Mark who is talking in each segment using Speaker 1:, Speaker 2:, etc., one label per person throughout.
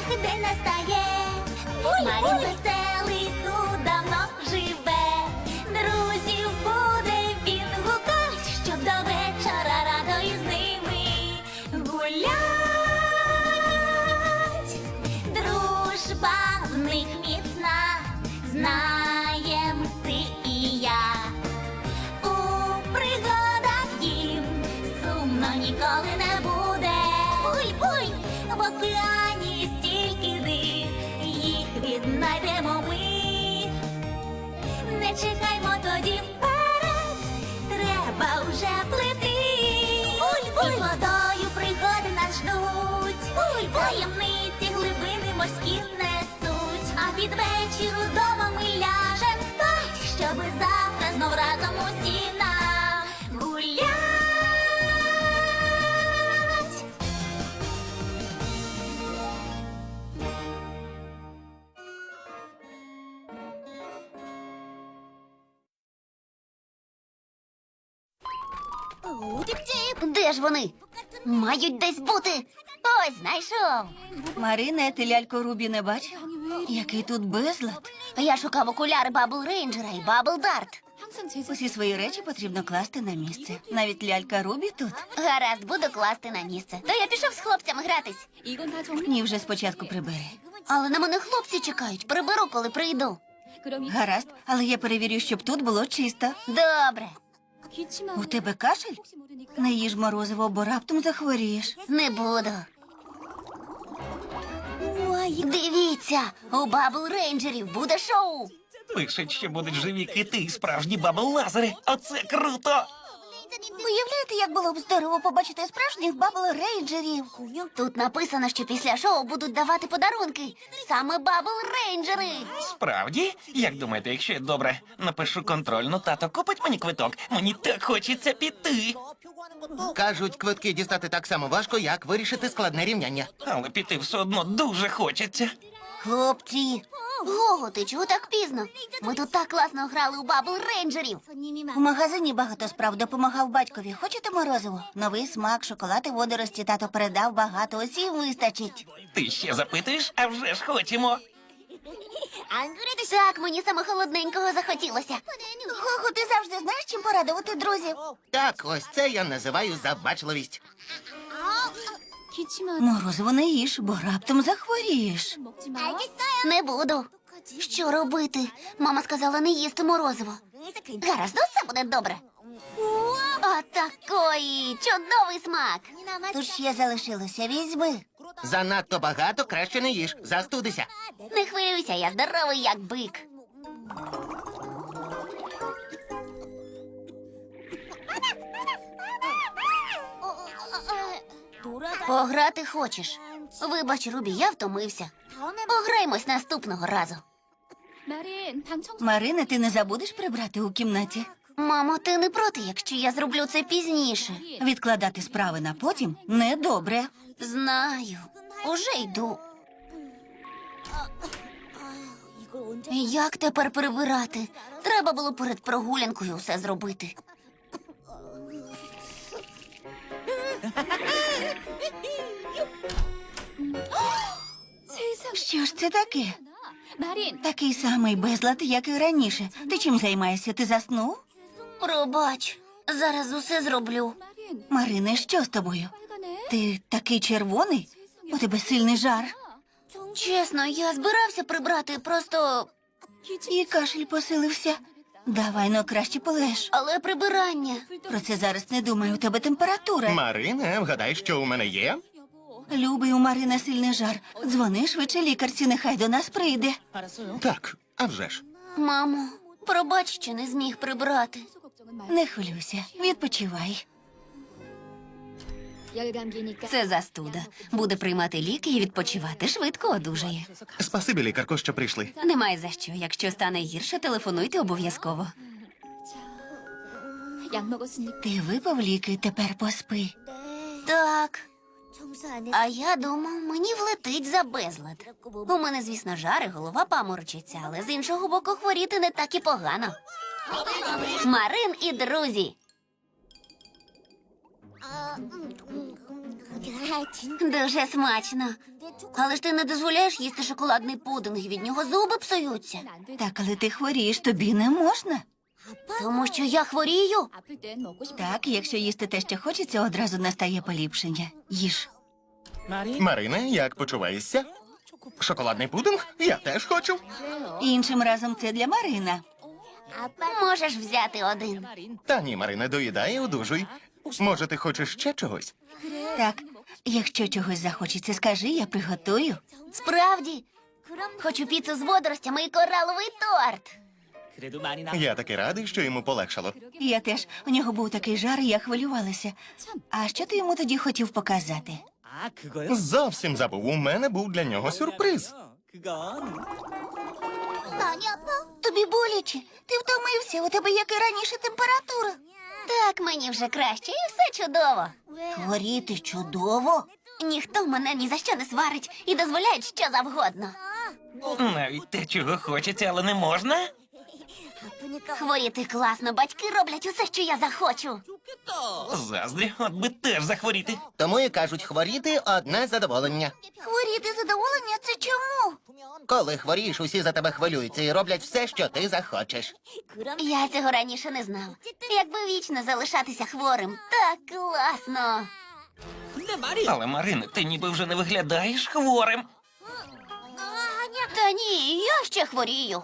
Speaker 1: день настає. Марін веселий тут давно живе. Друзів буде він гукать, щоб до вечора радо із ними гулять. Дружба в них міцна, знаєм ти і я. У пригадах їм сумно ніколи не буде. Буй-буй, в океані стільки див, їх віднайдемо ми. Не чекаймо тоді вперед, треба вже плити. Буй-буй, водою пригоди нас ждуть. Буй-буй, таємниці глибини морські несуть. А під вечір удома ми ляжем спать, щоби завтра знов разом усі нагулять.
Speaker 2: Де ж вони? Мають десь бути. Ось, знайшов.
Speaker 3: Марине, ти ляльку Рубі не бачив? Який тут безлад.
Speaker 2: Я шукав окуляри Бабл Рейнджера і Бабл Дарт.
Speaker 3: Усі свої речі потрібно класти на місце. Навіть лялька Рубі тут.
Speaker 2: Гаразд, буду класти на місце. То я пішов з хлопцями гратись.
Speaker 3: Ні, вже спочатку прибери.
Speaker 2: Але на мене хлопці чекають. Приберу, коли прийду.
Speaker 3: Гаразд, але я перевірю, щоб тут було чисто.
Speaker 2: Добре.
Speaker 3: У тебе кашель? Не їж морозиво, бо раптом захворієш.
Speaker 2: Не буду. Дивіться, у Бабл Рейнджерів буде шоу.
Speaker 4: Пишуть, що будуть живі кити і справжні бабл-лазери. Оце круто!
Speaker 2: Уявляєте, як було б здорово побачити справжніх Бабл Рейнджерів? Тут написано, що після шоу будуть давати подарунки. Саме Бабл Рейнджери.
Speaker 4: Справді? Як думаєте, якщо я добре напишу контрольну, тато купить мені квиток? Мені так хочеться піти.
Speaker 5: Кажуть, квитки дістати так само важко, як вирішити складне рівняння.
Speaker 4: Але піти все одно дуже хочеться.
Speaker 2: Хлопці, Гого, ти чого так пізно? Ми тут так класно грали у Бабл Рейнджерів.
Speaker 3: У магазині багато справ допомагав батькові. Хочете морозиво? Новий смак, шоколад і водорості тато передав багато, усім вистачить.
Speaker 4: Ти ще запитуєш? А вже ж хочемо.
Speaker 2: Так, мені саме холодненького захотілося.
Speaker 3: Гого, ти завжди знаєш, чим порадувати друзів?
Speaker 5: Так, ось це я називаю забачливість.
Speaker 3: Морозиво не їж, бо раптом захворієш.
Speaker 2: Не буду. Що робити? Мама сказала не їсти морозиво. Гаразд, ну все буде добре. Отакої! Чудовий смак!
Speaker 3: Тут ще залишилося, візьми.
Speaker 5: Занадто багато, краще не їж, застудися.
Speaker 2: Не хвилюйся, я здоровий, як бик. Пограти хочеш? Вибач, Рубі, я втомився. Пограймось наступного разу.
Speaker 3: Марине, ти не забудеш прибрати у кімнаті?
Speaker 2: Мамо, ти не проти, якщо я зроблю це пізніше?
Speaker 3: Відкладати справи на потім недобре.
Speaker 2: Знаю. Уже йду. Як тепер прибирати? Треба було перед прогулянкою все зробити.
Speaker 3: Що ж це таке? Такий самий безлад, як і раніше. Ти чим займаєшся? Ти заснув?
Speaker 2: Пробач, зараз усе зроблю.
Speaker 3: Марине, що з тобою? Ти такий червоний? У тебе сильний жар.
Speaker 2: Чесно, я збирався прибрати, просто...
Speaker 3: І кашель посилився. Давай, ну краще полеж.
Speaker 2: Але прибирання...
Speaker 3: Про це зараз не думай, у тебе температура.
Speaker 5: Марине, вгадай, що у мене є?
Speaker 3: Любий, у Марини сильний жар. Дзвони швидше лікарці, нехай до нас прийде.
Speaker 5: Так, а вже ж.
Speaker 2: Мамо, пробач, що не зміг прибрати.
Speaker 3: Не хвилюйся, відпочивай.
Speaker 2: Це застуда. Буде приймати ліки і відпочивати. Швидко одужає.
Speaker 5: Спасибі, лікарко, що прийшли.
Speaker 2: Немає за що. Якщо стане гірше, телефонуйте обов'язково.
Speaker 3: Ти випив ліки, тепер поспи.
Speaker 2: Так. А я думав, мені влетить за безлад. У мене, звісно, жар і голова паморочиться, але з іншого боку хворіти не так і погано. Марин і друзі. Дуже смачно. Але ж ти не дозволяєш їсти шоколадний пудинг, від нього зуби псуються.
Speaker 3: Так, але ти хворієш, тобі не можна.
Speaker 2: Тому що я хворію.
Speaker 3: Так, якщо їсти те, що хочеться, одразу настає поліпшення. Їж.
Speaker 5: Марине, як почуваєшся? Шоколадний пудинг? Я теж хочу.
Speaker 3: Іншим разом це для Марина.
Speaker 2: Можеш взяти один.
Speaker 5: Та ні, Марине, доїдай і одужуй. Може, ти хочеш ще чогось?
Speaker 3: Так, якщо чогось захочеться, скажи, я приготую.
Speaker 2: Справді. Хочу піцу з водоростями і кораловий торт.
Speaker 5: Я таки радий, що йому полегшало.
Speaker 3: Я теж. У нього був такий жар, і я хвилювалася. А що ти йому тоді хотів показати?
Speaker 5: Зовсім забув, у мене був для нього сюрприз.
Speaker 3: Тобі боляче. Ти втомився, у тебе, як і раніше, температура.
Speaker 2: Так, мені вже краще, і все чудово.
Speaker 3: Хворіти чудово.
Speaker 2: Ніхто мене ні за що не сварить і дозволяє що завгодно.
Speaker 4: Навіть те, чого хочеться, але не можна?
Speaker 2: Хворіти класно, батьки роблять усе, що я захочу.
Speaker 4: Заздрі, от би теж захворіти.
Speaker 5: Тому і кажуть, хворіти одне задоволення.
Speaker 3: Хворіти задоволення це чому?
Speaker 5: Коли хворієш, усі за тебе хвилюються і роблять все, що ти захочеш.
Speaker 2: Я цього раніше не знав. Якби вічно залишатися хворим, так класно.
Speaker 4: Але, Марине, ти ніби вже не виглядаєш хворим.
Speaker 2: Та ні, я ще хворію.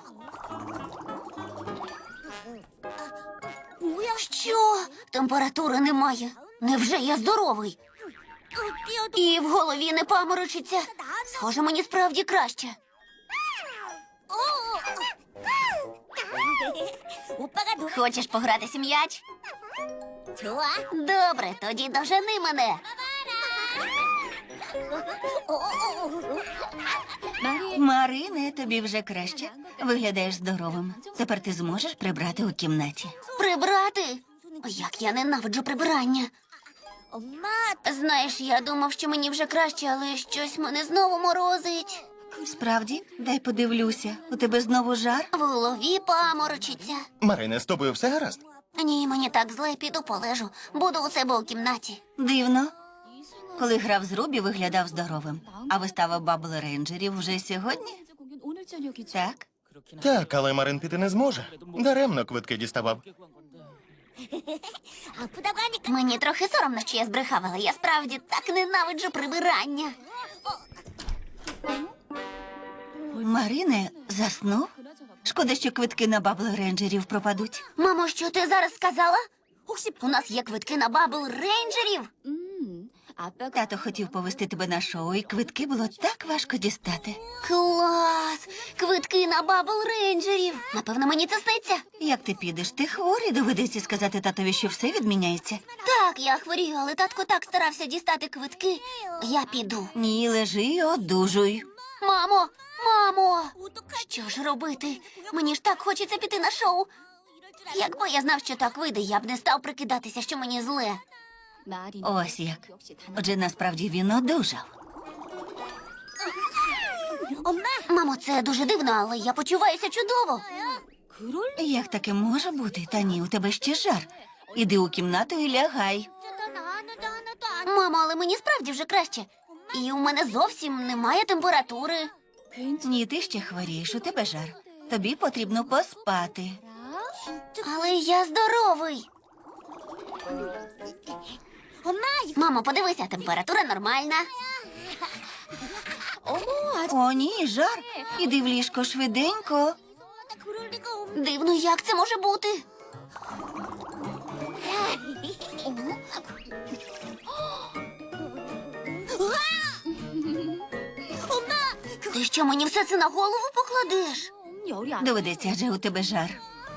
Speaker 2: Що? Температури немає. Невже я здоровий? І в голові не паморочиться. Схоже, мені справді краще. Хочеш погратися м'яч? Добре, тоді дожени мене.
Speaker 3: Марине, тобі вже краще. Виглядаєш здоровим. Тепер ти зможеш прибрати у кімнаті.
Speaker 2: Прибрати? Як я ненавиджу прибирання. Знаєш, я думав, що мені вже краще, але щось мене знову морозить.
Speaker 3: Справді, дай подивлюся. У тебе знову жар?
Speaker 2: В голові паморочиться.
Speaker 5: Марине, з тобою все гаразд?
Speaker 2: Ні, мені так зле, піду полежу. Буду у себе у кімнаті.
Speaker 3: Дивно. Коли грав з Рубі, виглядав здоровим. А вистава Бабл Рейнджерів вже сьогодні? Так.
Speaker 5: Так, але Марин піти не зможе. Даремно квитки діставав.
Speaker 2: Мені трохи соромно, що я збрехав, але я справді так ненавиджу прибирання.
Speaker 3: Марине, заснув? Шкода, що квитки на Бабл Рейнджерів пропадуть.
Speaker 2: Мамо, що ти зараз сказала? У нас є квитки на Бабл Рейнджерів.
Speaker 3: Тато хотів повести тебе на шоу, і квитки було так важко дістати.
Speaker 2: Клас! Квитки на Бабл Рейнджерів. Напевно, мені це сниться.
Speaker 3: Як ти підеш? Ти хворий, доведеться сказати татові, що все відміняється.
Speaker 2: Так, я хворію, але татко так старався дістати квитки. Я піду.
Speaker 3: Ні, лежи і одужуй.
Speaker 2: Мамо, мамо! Що ж робити? Мені ж так хочеться піти на шоу. Якби я знав, що так вийде, я б не став прикидатися, що мені зле.
Speaker 3: Ось як. Отже, насправді він одужав.
Speaker 2: Мамо, це дуже дивно, але я почуваюся чудово.
Speaker 3: Як таке може бути? Та ні, у тебе ще жар. Іди у кімнату і лягай.
Speaker 2: Мамо, але мені справді вже краще. І у мене зовсім немає температури.
Speaker 3: Ні, ти ще хворієш, у тебе жар. Тобі потрібно поспати.
Speaker 2: Але я здоровий. Мамо, подивися, температура нормальна.
Speaker 3: О, ні, жар. Іди в ліжко швиденько.
Speaker 2: Дивно, як це може бути? Ти що, мені все це на голову покладеш?
Speaker 3: Доведеться, адже у тебе жар.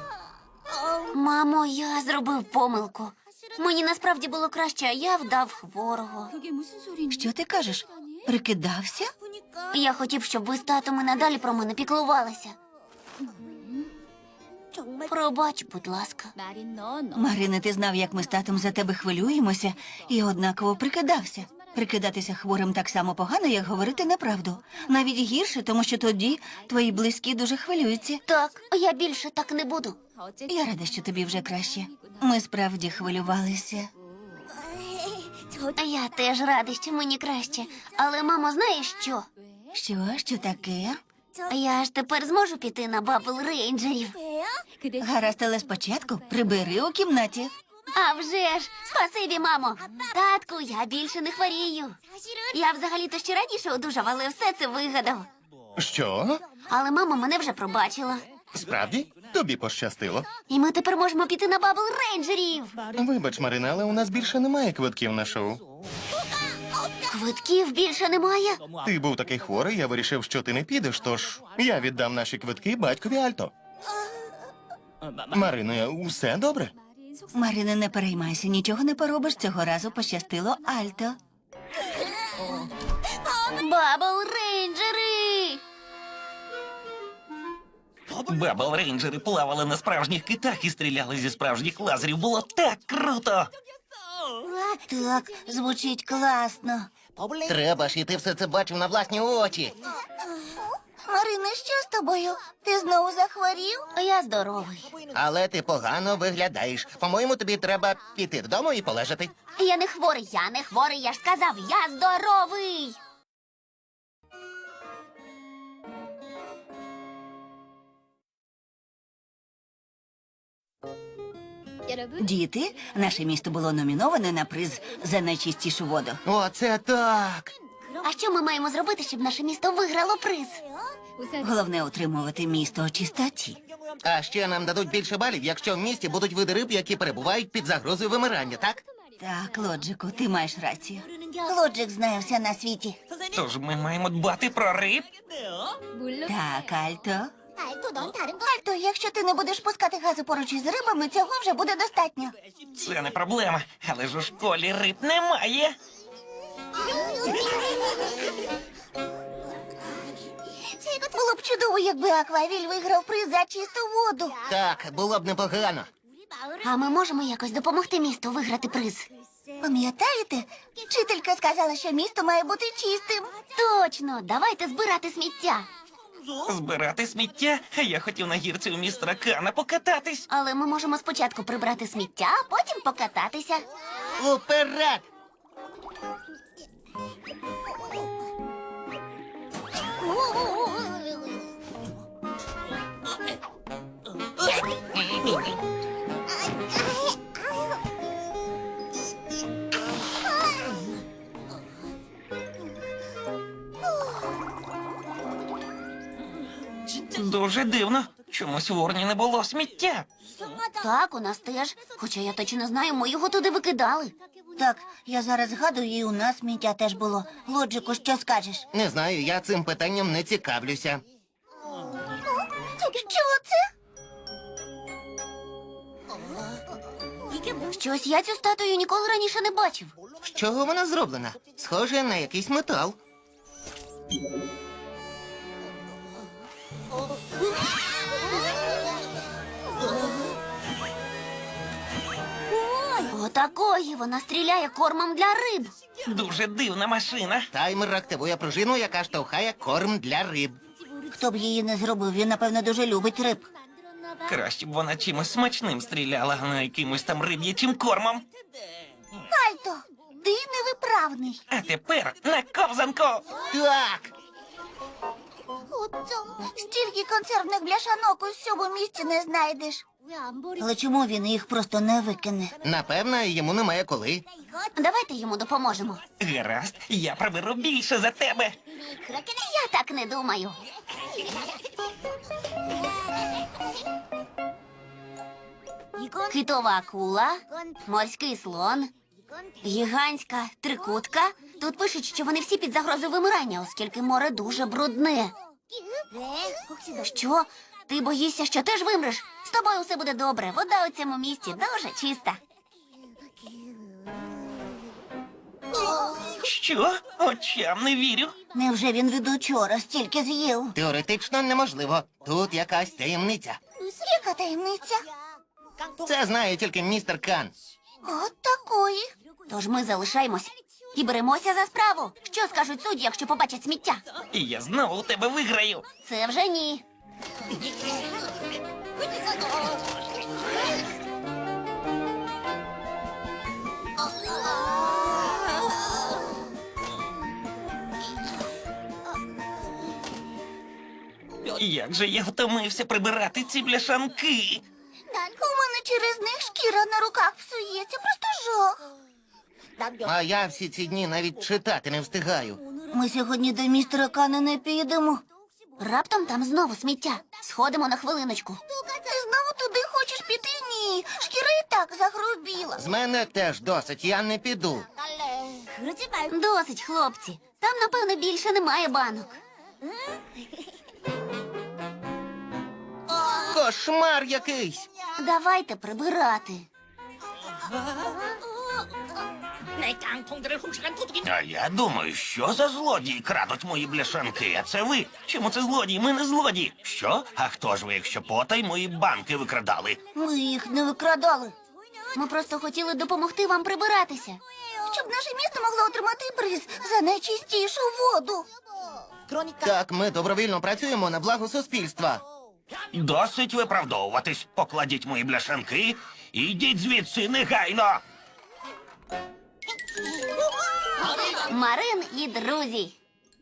Speaker 2: Мамо, я зробив помилку. Мені насправді було краще, а я вдав хворого.
Speaker 3: Що ти кажеш? Прикидався?
Speaker 2: Я хотів, щоб ви з татом і надалі про мене піклувалися. Пробач, будь ласка.
Speaker 3: Марине, ти знав, як ми з татом за тебе хвилюємося, і однаково прикидався. Прикидатися хворим так само погано, як говорити неправду. Навіть гірше, тому що тоді твої близькі дуже хвилюються.
Speaker 2: Так, я більше так не буду.
Speaker 3: Я рада, що тобі вже краще. Ми справді хвилювалися.
Speaker 2: Я теж рада, що мені краще. Але, мамо, знаєш що?
Speaker 3: Що таке?
Speaker 2: Я ж тепер зможу піти на бабл рейнджерів.
Speaker 3: Гаразд, але спочатку прибери у кімнаті.
Speaker 2: А вже ж! Спасибі, мамо! Татку, я більше не хворію. Я взагалі-то ще раніше одужав, але все це вигадав.
Speaker 5: Що?
Speaker 2: Але мама мене вже пробачила.
Speaker 5: Справді? Тобі пощастило.
Speaker 2: І ми тепер можемо піти на бабл рейнджерів.
Speaker 5: Вибач, Марина, але у нас більше немає квитків на шоу.
Speaker 2: Квитків більше немає.
Speaker 5: Ти був такий хворий, я вирішив, що ти не підеш, тож я віддам наші квитки батькові Альто. Марино, усе добре?
Speaker 3: Марине, не переймайся, нічого не поробиш, цього разу пощастило Альто.
Speaker 2: Бабл рейнджери!
Speaker 4: Бабл рейнджери плавали на справжніх китах і стріляли зі справжніх лазерів. Було так круто!
Speaker 2: Так, звучить класно.
Speaker 6: Треба ж, і ти все це бачив на власні очі.
Speaker 2: Марина, що з тобою? Ти знову захворів? Я здоровий.
Speaker 6: Але ти погано виглядаєш. По-моєму, тобі треба піти додому і полежати.
Speaker 2: Я не хворий, я ж сказав, я здоровий.
Speaker 3: Діти, наше місто було номіноване на приз за найчистішу воду.
Speaker 6: Оце так.
Speaker 2: А що ми маємо зробити, щоб наше місто виграло приз?
Speaker 3: Головне утримувати місто у чистоті.
Speaker 6: А ще нам дадуть більше балів, якщо в місті будуть види риб, які перебувають під загрозою вимирання, так?
Speaker 3: Так, Лоджику, ти маєш рацію.
Speaker 2: Лоджик знає все на світі.
Speaker 4: Тож ми маємо дбати про риб.
Speaker 3: Так, Альто.
Speaker 2: Альто, якщо ти не будеш пускати гази поруч із рибами, цього вже буде достатньо.
Speaker 4: Це не проблема, але ж у школі риб немає.
Speaker 2: Було б чудово, якби Аквавіль виграв приз за чисту воду.
Speaker 6: Так, було б непогано.
Speaker 2: А ми можемо якось допомогти місту виграти приз. Пам'ятаєте? Вчителька сказала, що місто має бути чистим. Точно, давайте збирати сміття.
Speaker 4: Збирати сміття? А я хотів на гірці у містера Кана покататись.
Speaker 2: Але ми можемо спочатку прибрати сміття, а потім покататися.
Speaker 6: Уперед!
Speaker 4: Дуже дивно. Чомусь в урні не було сміття.
Speaker 2: Так, у нас теж. Хоча я точно знаю, ми його туди викидали. Так, я зараз згадую, і у нас сміття теж було. Лоджику, що скажеш?
Speaker 6: Не знаю, я цим питанням не цікавлюся.
Speaker 2: Що це? Щось я цю статую ніколи раніше не бачив.
Speaker 6: З чого вона зроблена? Схоже на якийсь метал.
Speaker 2: Отакої вона стріляє кормом для риб.
Speaker 4: Дуже дивна машина.
Speaker 6: Таймер активує пружину, яка штовхає корм для риб.
Speaker 2: Хто б її не зробив, він, напевно, дуже любить риб.
Speaker 4: Краще б вона чимось смачним стріляла, а не якимось там риб'ячим кормом.
Speaker 2: Альто, ти невиправний.
Speaker 4: А тепер на ковзанку.
Speaker 6: Так!
Speaker 2: Стільки консервних бляшанок у всьому місті не знайдеш. Але чому він їх просто не викине?
Speaker 6: Напевно, йому немає коли.
Speaker 2: Давайте йому допоможемо.
Speaker 4: Гаразд, я приберу більше за тебе.
Speaker 2: Я так не думаю. Китова акула, морський слон, гігантська трикутка. Тут пишуть, що вони всі під загрозою вимирання, оскільки море дуже брудне. Що? Ти боїшся, що теж вимреш? З тобою все буде добре. Вода у цьому місті дуже чиста.
Speaker 4: Що? Очам не вірю.
Speaker 2: Невже він від учора стільки з'їв?
Speaker 6: Теоретично неможливо. Тут якась таємниця.
Speaker 2: Яка таємниця?
Speaker 6: Це знає тільки містер Кан.
Speaker 2: От такої. Тож ми залишаємось і беремося за справу. Що скажуть судді, якщо побачать сміття?
Speaker 4: І я знову у тебе виграю.
Speaker 2: Це вже ні.
Speaker 4: Як же я втомився прибирати ці бляшанки.
Speaker 2: У мене через них шкіра на руках псується, просто жах.
Speaker 6: А я всі ці дні навіть читати не встигаю.
Speaker 2: Ми сьогодні до містера Кана не підемо. Раптом там знову сміття. Сходимо на хвилиночку. Ти знову туди хочеш піти? Ні. Шкіра і так загрубіла.
Speaker 6: З мене теж досить, я не піду.
Speaker 2: Досить, хлопці. Там, напевно, більше немає банок.
Speaker 6: Кошмар якийсь.
Speaker 2: Давайте прибирати.
Speaker 4: А я думаю, що за злодії крадуть мої бляшанки, а це ви. Чому це злодії? Ми не злодії. Що? А хто ж ви, якщо потай мої банки викрадали?
Speaker 2: Ми їх не викрадали. Ми просто хотіли допомогти вам прибиратися. Щоб наше місто могло отримати приз за найчистішу воду.
Speaker 6: Так, ми добровільно працюємо на благо суспільства.
Speaker 4: Досить виправдовуватись. Покладіть мої бляшанки і йдіть звідси негайно.
Speaker 2: Марин і друзі.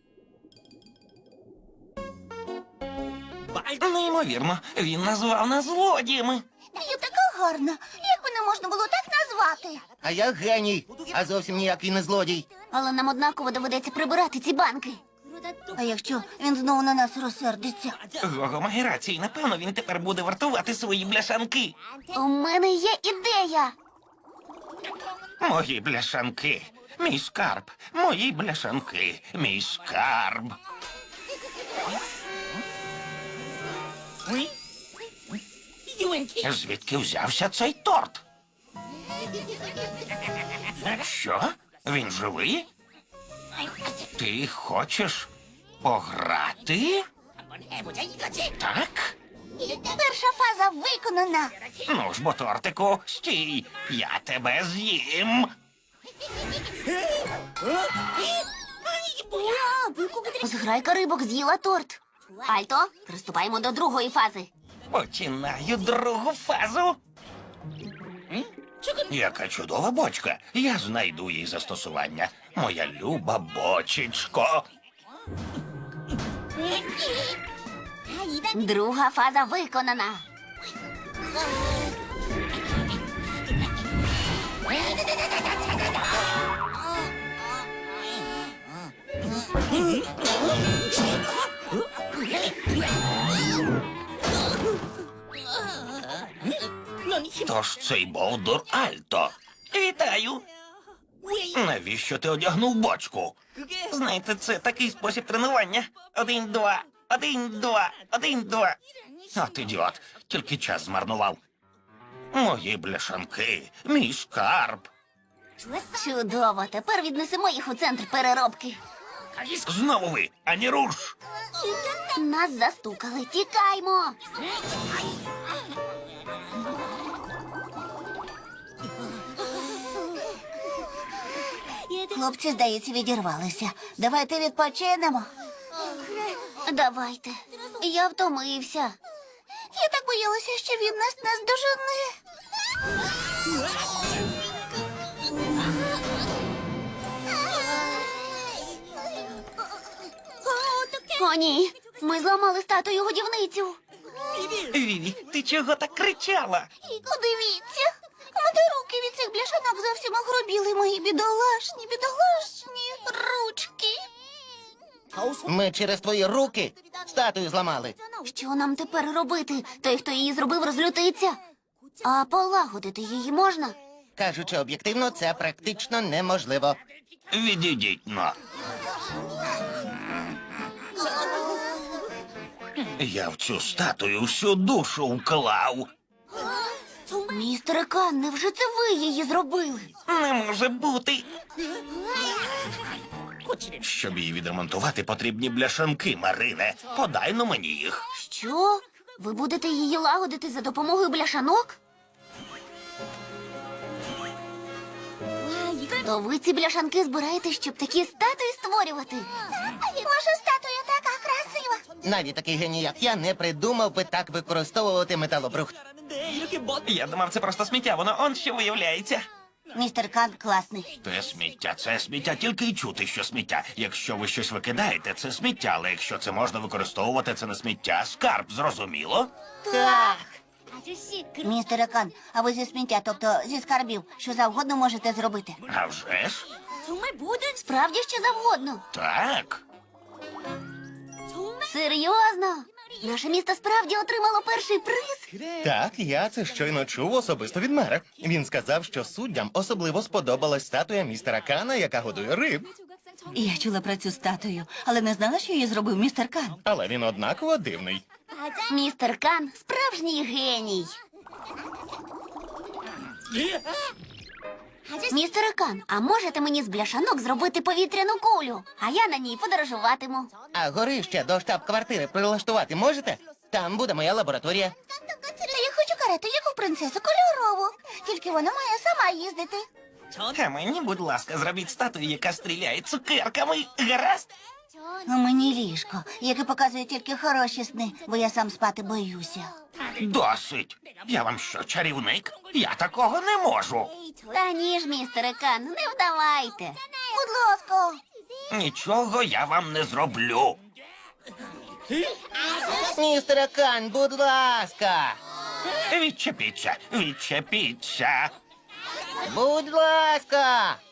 Speaker 4: Неймовірно, він назвав нас злодіями.
Speaker 2: Я така гарна. Як мене можна було так назвати?
Speaker 6: А я геній, а зовсім ніякий не злодій.
Speaker 2: Але нам однаково доведеться прибирати ці банки. А якщо він знову на нас розсердиться?
Speaker 4: Гого має рацію. Напевно, він тепер буде вартувати свої бляшанки.
Speaker 2: У мене є ідея.
Speaker 4: Мої бляшанки. Мій скарб. Мої бляшанки. Мій скарб. Звідки взявся цей торт? Що? Він живий? Ти хочеш пограти? Так?
Speaker 2: Перша фаза виконана.
Speaker 4: Ну ж бо, тортику, стій, я тебе з'їм.
Speaker 2: Зграйка рибок з'їла торт. Альто, приступаємо до другої фази.
Speaker 4: Починаю другу фазу. Яка чудова бочка. Я знайду їй застосування. Моя люба бочечко.
Speaker 2: Друга фаза виконана.
Speaker 4: Тож цей бовдур Альто. Вітаю. Навіщо ти одягнув бочку? Знаєте, це такий спосіб тренування. 1, 2, 1, 2, 1, 2. От ідіот, тільки час змарнував. Мої бляшанки, мій скарб.
Speaker 2: Чудово, тепер віднесемо їх у центр переробки.
Speaker 4: Знову ви, ані руш.
Speaker 2: Нас застукали, тікаймо. Хлопці, здається, відірвалися. Давайте відпочинемо. Давайте. Я втомився. Я так боялася, що він нас наздожене. О, ні. Ми зламали статую годівницю.
Speaker 4: Віві, ти чого так кричала?
Speaker 2: Подивіться. У мене руки від цих бляшанок зовсім огрубіли, мої бідолашні ручки.
Speaker 6: Ми через твої руки статую зламали.
Speaker 2: Що нам тепер робити? Той, хто її зробив, розлютиться. А полагодити її можна?
Speaker 6: Кажучи об'єктивно, це практично неможливо.
Speaker 4: Відійдіть но. Я в цю статую всю душу вклав.
Speaker 2: Містере Кан, невже це ви її зробили?
Speaker 4: Не може бути. Щоб її відремонтувати, потрібні бляшанки, Марине. Подай но мені їх.
Speaker 2: Що? Ви будете її лагодити за допомогою бляшанок? То ви ці бляшанки збираєте, щоб такі статуї створювати? Ваша статуя така красива.
Speaker 6: Навіть такий геній, як я, не придумав би так використовувати металобрухт.
Speaker 4: Я думав, це просто сміття, воно он що виявляється.
Speaker 2: Містер Кан класний.
Speaker 4: Це сміття, тільки й чути, що сміття. Якщо ви щось викидаєте, це сміття, але якщо це можна використовувати, це не сміття, скарб, зрозуміло?
Speaker 2: Так. Містере Кан, а ви зі сміття, тобто зі скарбів, що завгодно можете зробити?
Speaker 4: А вже ж?
Speaker 2: Справді що завгодно.
Speaker 4: Так.
Speaker 2: Серйозно? Наше місто справді отримало перший приз?
Speaker 5: Так, я це щойно чув особисто від мера. Він сказав, що суддям особливо сподобалась статуя містера Кана, яка годує риб.
Speaker 3: Я чула про цю статую, але не знала, що її зробив містер Кан.
Speaker 5: Але він однаково дивний.
Speaker 2: Містер Кан справжній геній. Містере Кан, а можете мені з бляшанок зробити повітряну кулю? А я на ній подорожуватиму.
Speaker 6: А горище до штаб-квартири прилаштувати можете? Там буде моя лабораторія.
Speaker 2: Та я хочу карету, як у принцесу кольорову. Тільки вона має сама їздити.
Speaker 4: А мені, будь ласка, зробіть статую, яка стріляє цукерками. Гаразд?
Speaker 2: А мені ліжко, яке показує тільки хороші сни, бо я сам спати боюся.
Speaker 4: Досить. Я вам що, чарівник? Я такого не можу.
Speaker 2: Та ні ж, містере Кан, не вдавайте. Будь ласка.
Speaker 4: Нічого я вам не зроблю.
Speaker 6: Містере Кан, будь ласка!
Speaker 4: Відчепіться, відчепіться.
Speaker 6: Будь ласка!